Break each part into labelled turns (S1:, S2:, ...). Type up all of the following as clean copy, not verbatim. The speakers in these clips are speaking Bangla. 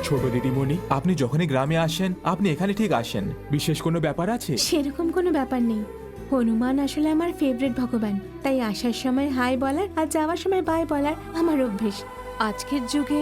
S1: ছোট দিদিমণি, আপনি যখনই গ্রামে আসেন আপনি এখানে ঠিক আসেন। বিশেষ কোনো ব্যাপার আছে?
S2: সেরকম কোনো ব্যাপার নেই। হনুমান আসলে আমার ফেভারিট ভগবান, তাই আসার সময় হাই বলার আর যাওয়ার সময় বাই বলার আমার অভ্যেস। আজকের যুগে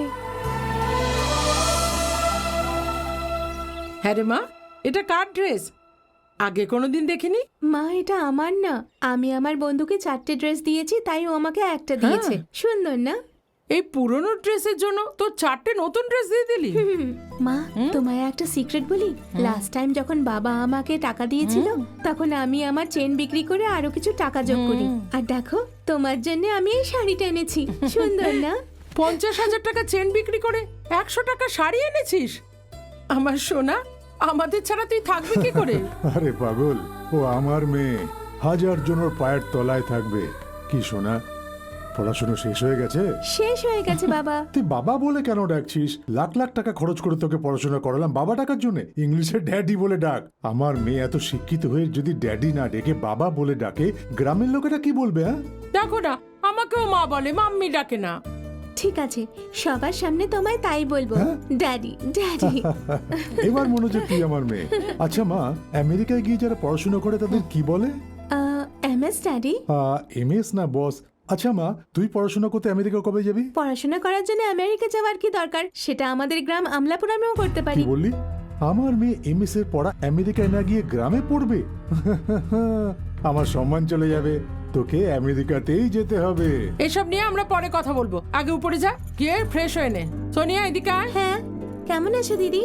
S3: হ্যাঁ রে মা, এটা কার ড্রেস? আগে কোনোদিন দেখিনি।
S2: মা, এটা আমার না। আমি আমার বন্ধুকে 4টে ড্রেস দিয়েছি, তাই ও আমাকে একটা দিয়েছে। সুন্দর না?
S3: এই পুরনো ড্রেসের জন্য তোর 4টে নতুন ড্রেস দিয়ে দিলি?
S2: মা, তোমায় একটা সিক্রেট বলি। লাস্ট টাইম যখন বাবা আমাকে টাকা দিয়েছিল, তখন আমি আমার চেন বিক্রি করে আরো কিছু টাকা যোগ করি। আর দেখো, তোমার জন্য আমি এই শাড়িটা এনেছি। সুন্দর না?
S3: 50,000 টাকা চেন বিক্রি করে 100 টাকা শাড়ি এনেছিস? আমার সোনা, আমাদের ছাড়া তুই থাকবি কি করে?
S4: আরে পাগল, ও আমার মেয়ে, হাজার জনের পায়ের তলায় থাকবে। কি সোনা, পড়াশোনা শেষ হয়ে গেছে?
S2: শেষ হয়ে গেছে বাবা।
S4: তুই বাবা বলে কেন ডাকছিস? লাখ লাখ টাকা খরচ করে তোকে পড়াশোনা করালাম বাবা ডাকার জন্য? ইংলিশে ড্যাডি বলে ডাক। আমার মেয়ে এত শিক্ষিত হয়ে যদি ড্যাডি না ডেকে বাবা বলে ডাকে, গ্রামের লোকেরা কি বলবে? হ্যাঁ,
S3: দেখো না, আমাকেও মা বলে, মাম্মি ডাকে না।
S2: ঠিক আছে, সবার সামনে তোমায় তাই বলবো, ড্যাডি ড্যাডি।
S4: এবার মনে হচ্ছে তুই আমার মেয়ে। আচ্ছা মা, আমেরিকায় গিয়ে যারা পড়াশোনা করে তাদের কি বলে?
S2: MS daddy.
S4: এমএস না বস। আচ্ছা মা, তুই পড়াশোনা করতে আমেরিকা কবে যাবি?
S2: পড়াশোনা করার জন্য আমেরিকা যাওয়ার কি দরকার? সেটা আমাদের গ্রাম আমলাপুরামেও করতে
S4: কি
S2: পারি।
S4: বললি? আমার মেয়ে এমএস এর পড়া আমেরিকায় না গিয়ে গ্রামে পড়বে? আমার সম্মান চলে যাবে। তোকে আমেরিকাতেই যেতে হবে।
S3: এসব নিয়ে আমরা পরে কথা বলবো, আগে উপরে যা, গিয়ে ফ্রেশ হয়ে নে। সোনিয়া, এদিকে আয়।
S2: হ্যাঁ, কেমন আছো দিদি?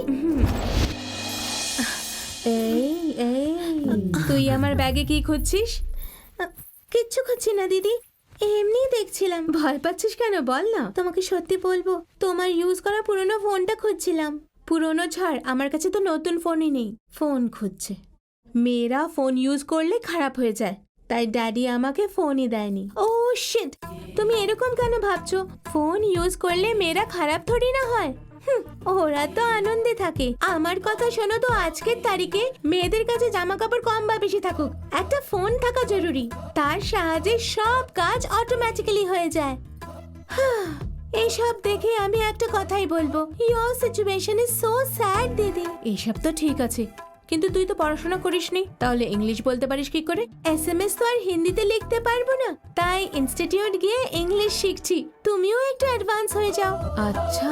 S2: এই এই, তুই আমার ব্যাগে কি খুঁজছিস? কিচ্ছু খুঁজছি না দিদি, এমনি দেখছিলাম। ভয় পাচ্ছিস কেন বল না। তোমাকে সত্যি বলবো, তোমার ইউজ করা পুরনো ফোনটা খুঁজছিলাম। পুরনো ছাড়, আমার কাছে তো নতুন ফোনই নেই। ফোন খুঁজছে। মেয়েরা ফোন ইউজ করলে খারাপ হয়ে যায়, তাই ড্যাডি আমাকে ফোনই দেয়নি। ও শিট, তুমি এরকম কেন ভাবছো? ফোন ইউজ করলে মেয়েরা খারাপ থোড়ি না হয়। ওরা তো আনন্দে থাকে। আমার কথা শোনো তো, আজকের তারিখে মেয়েদের কাছে জামা কাপড় কম বা বেশি থাকুক, একটা ফোন থাকা জরুরি। তার সাহায্যে সব কাজ অটোমেটিক্যালি হয়ে যায়। এইসব দেখে আমি একটা কথাই বলবো, your situation is so sad দিদি। এসব তো ঠিক আছে, কিন্তু তুই তো পড়াশোনা করিসনি, তাহলে ইংলিশ বলতে পারিস কি করে? এসএমএস তো আর হিন্দিতে লিখতে পারবো না, তাই ইনস্টিটিউট গিয়ে ইংলিশ শিখছি। তুমিও একটু অ্যাডভান্স হয়ে যাও। আচ্ছা,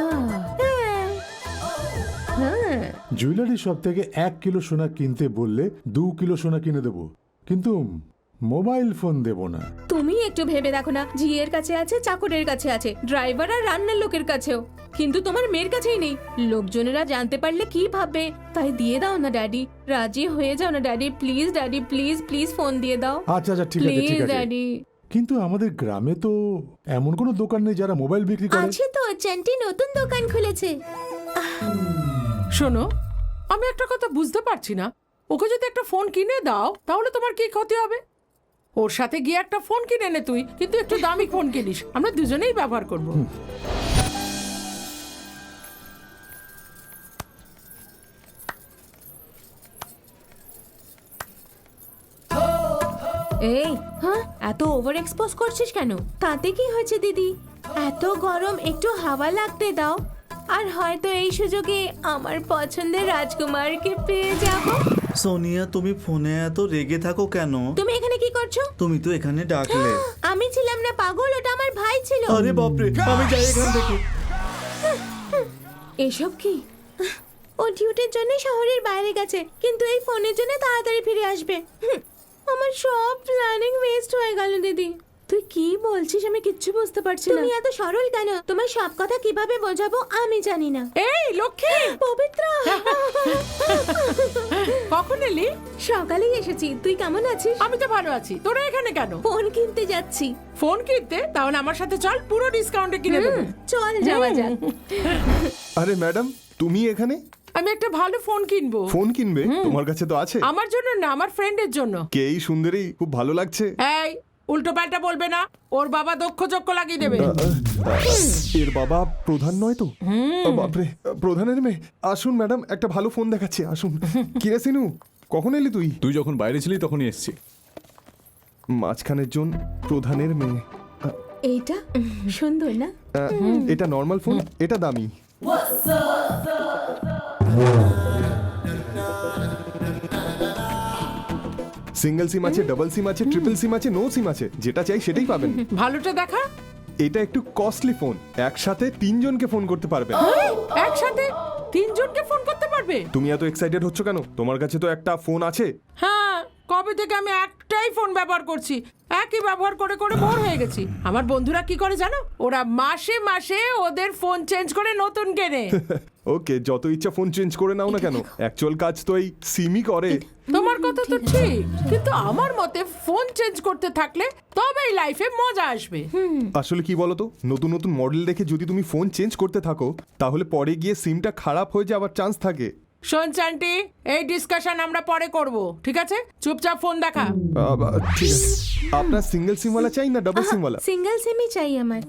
S2: হ্যাঁ।
S4: জুয়েলারি শপ থেকে 1 কিলো সোনা কিনতে বললে 2 কিলো সোনা কিনে দেবো, কিন্তু মোবাইল ফোন দেব না।
S2: তুমি একটু ভেবে দেখো না, ঝিয়ের কাছে আছে, চাকরের কাছে আছে, ড্রাইভার আর রান্নার লোকের কাছেও, কিন্তু তোমার মেয়ের কাছেই নেই। লোকজনেরা জানতে পারলে কি ভাববে? তাই দিয়ে দাও না ড্যাডি, রাজি হয়ে যাও না daddy, please daddy, please please phone দিয়ে দাও।
S4: আচ্ছা আচ্ছা, ঠিক আছে
S2: প্লিজ
S4: ঠিক আছে।
S2: ড্যাডি।
S4: কিন্তু আমাদের গ্রামে তো এমন কোনো দোকান নেই যারা মোবাইল বিক্রি করে।
S2: আছে তো, চেন্টি নতুন দোকান খুলেছে।
S3: শোনো, আমি একটা কথা বুঝতে পারছি না, ওকে যদি একটা ফোন কিনে দাও তাহলে তোমার কি ক্ষতি হবে? ওর সাথে গিয়ে একটা ফোন কিনে নে তুই, কিন্তু একটু দামি ফোন কিনিস, আমরা দুজনেই ব্যবহার করব।
S2: এই, হ্যাঁ, এত ওভার এক্সপোজ করছিস কেন? তাতে কি হয়েছে দিদি? এত গরম, একটু হাওয়া লাগতে দাও। আর হয়তো এই সুযোগে আমার পছন্দের রাজকুমারকে পেয়ে যাব।
S5: সোনিয়া, তুমি ফোনে এত রেগে থাকো কেন?
S2: তুমি এখানে কি করছো?
S5: তুমি তো এখানে ডাকলে।
S2: আমি ছিলাম না পাগল, ওটা আমার ভাই ছিল।
S5: আরে বাপরে, আমি যাই এখান থেকে।
S2: এসব কি? ও ডিউটির জন্য শহরের বাইরে গেছে, কিন্তু এই ফোনের জন্য তাড়াতাড়ি ফিরে আসবে। আমার সব প্ল্যানিং ওয়েস্ট হয়ে গেল দিদি। তুই কি বলছিস আমি কিচ্ছু বুঝতে পারছি না। তুমি এত সরল কেন? তোমার সব কথা কিভাবে বোঝাবো আমি জানি না।
S3: এই লক্ষ্মী,
S2: পবিত্র,
S3: কখন এলি?
S2: সকালেই এসেছি। তুই কেমন আছিস?
S3: আমি তো ভালো আছি, তোরা এখানে কেন?
S2: ফোন কিনতে যাচ্ছি।
S3: ফোন কিনতে? তাহলে আমার সাথে চল, পুরো ডিসকাউন্টে কিনে দেবো।
S2: চল যাওয়া যাক।
S6: আরে ম্যাডাম, তুমি এখানে?
S3: আমি একটা ভালো ফোন কিনবো।
S6: ফোন কিনবে? তোমার কাছে তো আছে।
S3: আমার জন্য না, আমার ফ্রেন্ডের জন্য।
S6: কে এই সুন্দরী? খুব ভালো লাগছে।
S3: এই, উল্টো পাল্টা বলবে না, ওর বাবা দক্ষ চক্ষ লাগিয়ে দেবে।
S6: এর বাবা প্রধান নয় তো? বাপরে, প্রধানের মেয়ে। আসুন ম্যাডাম, একটা ভালো ফোন দেখাচ্ছি, আসুন। কিরে সিনু, কখন এলি তুই?
S1: তুই যখন বাইরে ছিলি তখনই এসছি।
S6: মাঝখানের জন প্রধানের মেয়ে।
S2: এইটা সুন্দর না?
S6: এটা নর্মাল ফোন, এটা দামি। সিঙ্গেল সিম আছে, ডাবল সিম আছে, ট্রিপল সিম আছে, নো সিম আছে, যেটা চাই সেটাই পাবেন।
S3: ভালোটা দেখা।
S6: এটা একটু কস্টলি ফোন, একসাথে 3 জনকে ফোন করতে পারবেন।
S3: একসাথে 3 জনকে ফোন করতে পারবে?
S6: তুমি এত এক্সাইটেড হচ্ছ কেন? তোমার কাছে তো একটা ফোন আছে।
S3: হ্যাঁ, কবে থেকে আমি একটাই ফোন ব্যবহার করছি, একই ব্যবহার করে করে বোর হয়ে গেছি। আমার বন্ধুরা কি করে জানো? ওরা মাসে মাসে ওদের ফোন চেঞ্জ করে নতুন কেনে।
S6: ওকে, যত ইচ্ছা ফোন চেঞ্জ করে নাও না কেন, অ্যাকচুয়াল কাজ তো এই সিমই করে।
S3: তোমার কথা তো ঠিক, কিন্তু আমার মতে ফোন চেঞ্জ করতে থাকলে তবেই লাইফে মজা আসবে।
S6: আসলে কি বলতো, নতুন নতুন মডেল দেখে যদি তুমি ফোন চেঞ্জ করতে থাকো তাহলে পরে গিয়ে সিমটা খারাপ হয়ে যাওয়ার চান্স থাকে।
S3: শোন চান্টি, এই ডিসকাশন আমরা পরে করব, ঠিক আছে? চুপচাপ ফোন দেখা।
S6: ঠিক আছে, আপনার সিঙ্গেল সিমওয়ালা চাই না ডাবল সিমওয়ালা?
S2: সিঙ্গেল সিমই চাই আমার।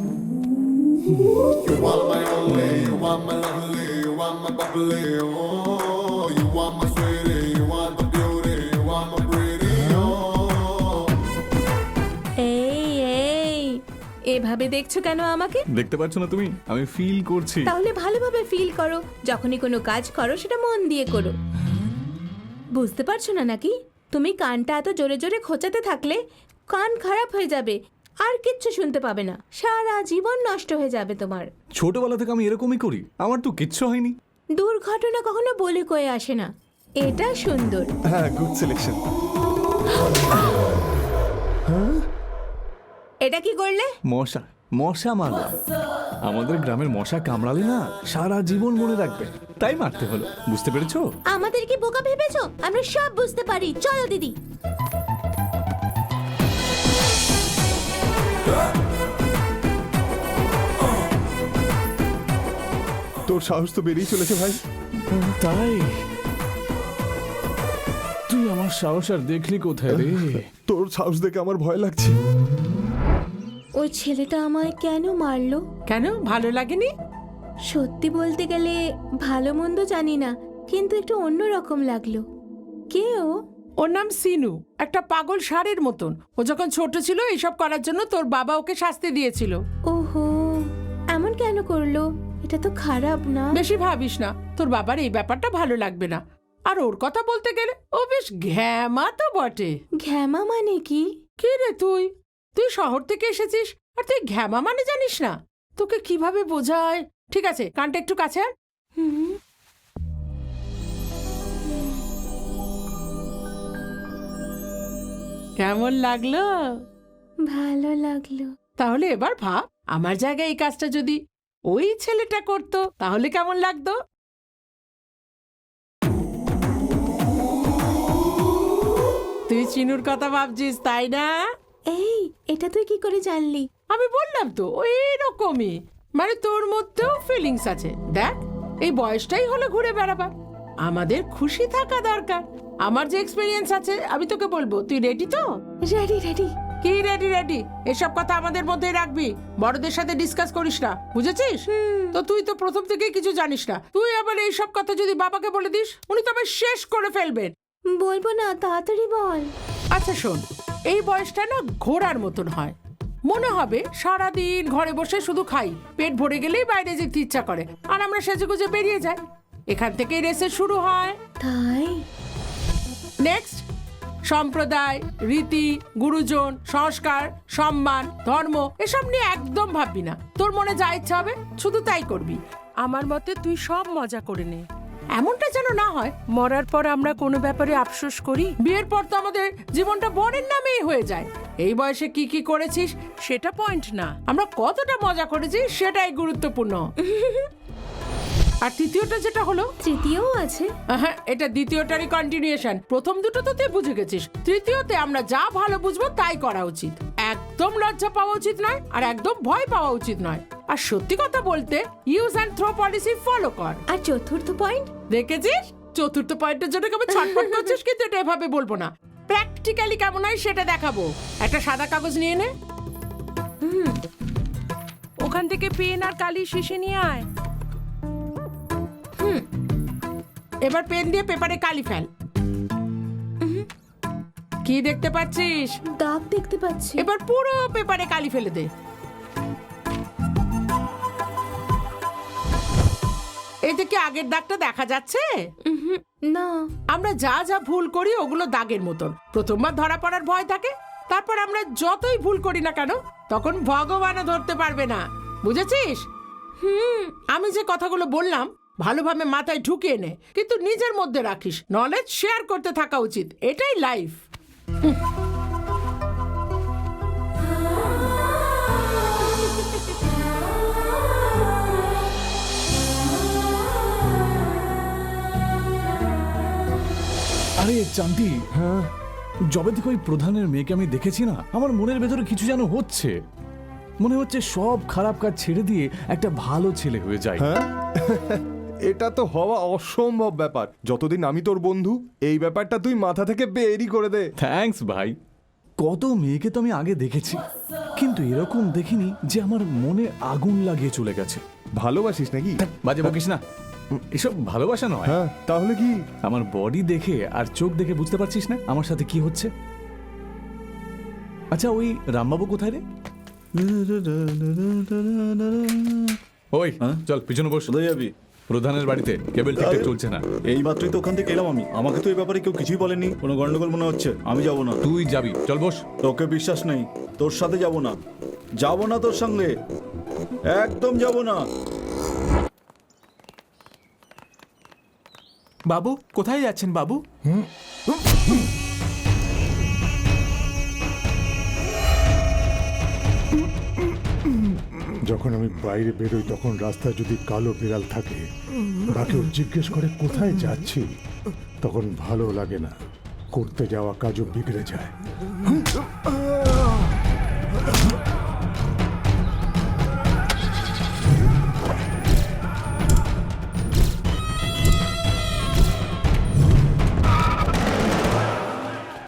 S2: এই এই, এভাবে দেখছো কেন আমাকে?
S1: দেখতে পাচ্ছ না তুমি? আমি ফিল করছি।
S2: তাহলে ভালোভাবে ফিল করো। যখনই কোনো কাজ করো সেটা মন দিয়ে করো। বুঝতে পারছো না নাকি? তুমি কানটা এত জোরে জোরে খোঁচাতে থাকলে কান খারাপ হয়ে যাবে, আর কিচ্ছু শুনতে পাবে না, সারা জীবন নষ্ট হয়ে যাবে তোমার।
S1: ছোটবেলা থেকে আমি এরকমই করি, আমার তো কিচ্ছু হয়নি।
S2: দুর্ঘটনা কখনো বলে কয়ে আসে না। এটা সুন্দর।
S6: হ্যাঁ, গুড সিলেকশন।
S2: এটা কি করলে?
S1: মশা, মশা মারলাম। আমাদের গ্রামের মশা কামড়ালে না সারা জীবন মনে রাখবে, তাই মারতে হলো। বুঝতে পেরেছো?
S2: আমাদের কি বোকা ভেবেছো? আমরা সব বুঝতে পারি। চলো দিদি।
S6: তোর সাহস তো বেরিয়ে চলেছে ভাই।
S1: তাই তুই আমার সাহস আর দেখলি কোথায় রে?
S6: তোর সাহস দেখে আমার ভয় লাগছে।
S2: ওই ছেলেটা আমায় কেন মারলো?
S3: কেন, ভালো লাগেনি?
S2: সত্যি বলতে গেলে ভালো মন্দ জানি না, কিন্তু একটু অন্যরকম লাগলো। কে ও?
S3: ওর নাম সিনু, একটা পাগল ষাঁড়ের মতন। ও যখন ছোট ছিল এইসব করার জন্য তোর বাবা ওকে শাস্তি দিয়েছিল।
S2: ওহো, এমন কেন করলো? এটা তো খারাপ না?
S3: বেশি ভাবিস না, তোর বাবার এই ব্যাপারটা ভালো লাগবে না। আর ওর কথা বলতে গেলে ও বেশ ঘ্যামা তো বটে।
S2: ঘ্যামা মানে কি?
S3: কি রে তুই তুই শহর থেকে এসেছিস আর তুই ঘ্যামা মানে জানিস না? তোকে কিভাবে বোঝায়? ঠিক আছে, কানটা একটু কাছে আন।
S2: হুম,
S3: কেমন লাগলো?
S2: ভালো লাগলো।
S3: তাহলে এবার ভাব, আমার জায়গায় এই কাজটা যদি ওই ছেলেটা করতো তাহলে কেমন লাগতো? তুই চিনুর কথা ভাবছিস, তাই না?
S2: এই, এটা তুই কি করে জানলি?
S3: আমি বললাম তো ওই রকমই, মানে তোর মধ্যেও ফিলিংস আছে। দেখ, এই বয়সটাই হলো ঘুরে বেড়াবার। আমাদের খুশি থাকা দরকার। আমার যে এক্সপেরিয়েন্স আছে আমি তোকে বলবো, তুই রেডি তো?
S2: Ready ready.
S3: কি রেডি রেডি? এসব কথা আমাদের মধ্যেই রাখবি, বড়দের সাথে ডিসকাস করিস না, বুঝেছিস? তো তুই তো প্রথম থেকেই কিছু জানিস না। তুই আবার এইসব কথা যদি বাবাকে বলে দিস, উনি তবে শেষ করে ফেলবেন।
S2: বলবো না, তাড়াতাড়ি বল।
S3: আচ্ছা শোন, এই বয়সটা না ঘোড়ার মতন হয়। মনে হবে সারাদিন ঘরে বসে শুধু খাই, পেট ভরে গেলেই বাইরে যেতে ইচ্ছা করে, আর আমরা সেজেগুজে বেরিয়ে যাই। এখান থেকেই রেসে শুরু হয়।
S2: তাই?
S3: নেক্সট, সম্প্রদায়, রীতি, গুরুজন, সংস্কার, সম্মান, ধর্ম এসব নিয়ে একদম ভাববি না। তোর মনে যা ইচ্ছা হবে শুধু তাই করবি। আমার মতে তুই সব মজা করে নে। এমনটা যেন না হয় মরার পর আমরা কোনো ব্যাপারে আফসোস করি। বিয়ের পর তো আমাদের জীবনটা বরের নামেই হয়ে যায়। এই বয়সে কি কি করেছিস সেটা পয়েন্ট না, আমরা কতটা মজা করেছি সেটাই গুরুত্বপূর্ণ। আর তৃতীয়টা যেটা হলো,
S2: তৃতীয়ও আছে?
S3: হ্যাঁ, এটা দ্বিতীয়টারই কন্টিনিউশন। প্রথম দুটো তো তুই বুঝে গেছিস, তৃতীয়তে আমরা যা ভালো বুঝবো তাই করা উচিত। একদম লজ্জা পাওয়া উচিত নয়, আর একদম ভয় পাওয়া উচিত নয়। আর সত্যি কথা বলতে use and throw policy follow কর।
S2: আর চতুর্থ পয়েন্ট?
S3: দেখেছিস, চতুর্থ পয়েন্টের জন্য কেমন ছটফট করছিস, কিন্তু এটা এভাবে বলবো না, প্র্যাকটিক্যালি কেমন হয় সেটা দেখাবো। একটা সাদা কাগজ নিয়ে নে, ওখান থেকে পেন আর কালি শিশে নিয়ে আয়। এবার পেন দিয়ে পেপারে কালি ফেল। কি দেখতে পাচ্ছিস?
S2: দাগ দেখতে পাচ্ছি।
S3: এবার পুরো পেপারে কালি ফেলে দে। এতে কি আগের দাগটা দেখা যাচ্ছে?
S2: না।
S3: আমরা যা যা ভুল করি ওগুলো দাগের মতন, প্রথমবার ধরা পড়ার ভয় থাকে, তারপর আমরা যতই ভুল করি না কেন তখন ভগবানও ধরতে পারবে না, বুঝেছিস? আমি যে কথাগুলো বললাম ভালোভাবে মাথায় ঢুকিয়ে নে, কিন্তু নিজের মধ্যে রাখিস। নলেজ শেয়ার করতে থাকা উচিত, এটাই লাইফ।
S1: আরে চান্দি, হ্যাঁ, যবে থেকে ওই প্রধানের মেয়েকে আমি দেখেছি না, আমার মনের ভেতরে কিছু যেন হচ্ছে। মনে হচ্ছে সব খারাপ কাজ ছেড়ে দিয়ে একটা ভালো ছেলে হয়ে যায়।
S6: হ্যাঁ এটা তো হওয়া অসম্ভব ব্যাপার। যতদিন আমি তোর বন্ধু, এই ব্যাপারটা তুই মাথা থেকে বেরই করে দে।
S1: থ্যাঙ্কস ভাই। কত মেয়েকে তো আমি আগে দেখেছি, কিন্তু এরকম দেখিনি যে আমার মনে আগুন লাগিয়ে চলে গেছে।
S6: ভালোবাসিস নাকি?
S1: বাজে বকিস না, এসব ভালোবাসা নয়।
S6: হ্যাঁ তাহলে কি?
S1: আমার বডি দেখে আর চোখ দেখে বুঝতে পারছিস না আমার সাথে কি হচ্ছে? আচ্ছা, ওই রামবাবু কোথায় রে? ওই
S5: হ্যাঁ?
S1: চল পিছনে বস।
S5: কোথায় যাবি?
S1: প্রধানের বাড়িতে কেবল ঠিকঠাক চলছে না।
S5: এই মাত্রই তো ওখান থেকে এলাম আমি। আমাকে তো এই ব্যাপারে কেউ কিছুই বলেনি। কোনো গন্ডগোল মনে হচ্ছে, আমি যাব না।
S1: তুই যাবি, চল বস।
S5: তোকে বিশ্বাস নেই, তোর সাথে যাব না। যাব না তোর সঙ্গে, একদম যাব না।
S7: বাবু কোথায় যাচ্ছেন বাবু?
S4: যখন আমি বাইরে বেরোই তখন রাস্তায় যদি কালো বিড়াল থাকে বা কেউ জিজ্ঞেস করে কোথায় যাচ্ছি, তখন ভালো লাগে না, করতে যাওয়া কাজও বিগড়ে যায়।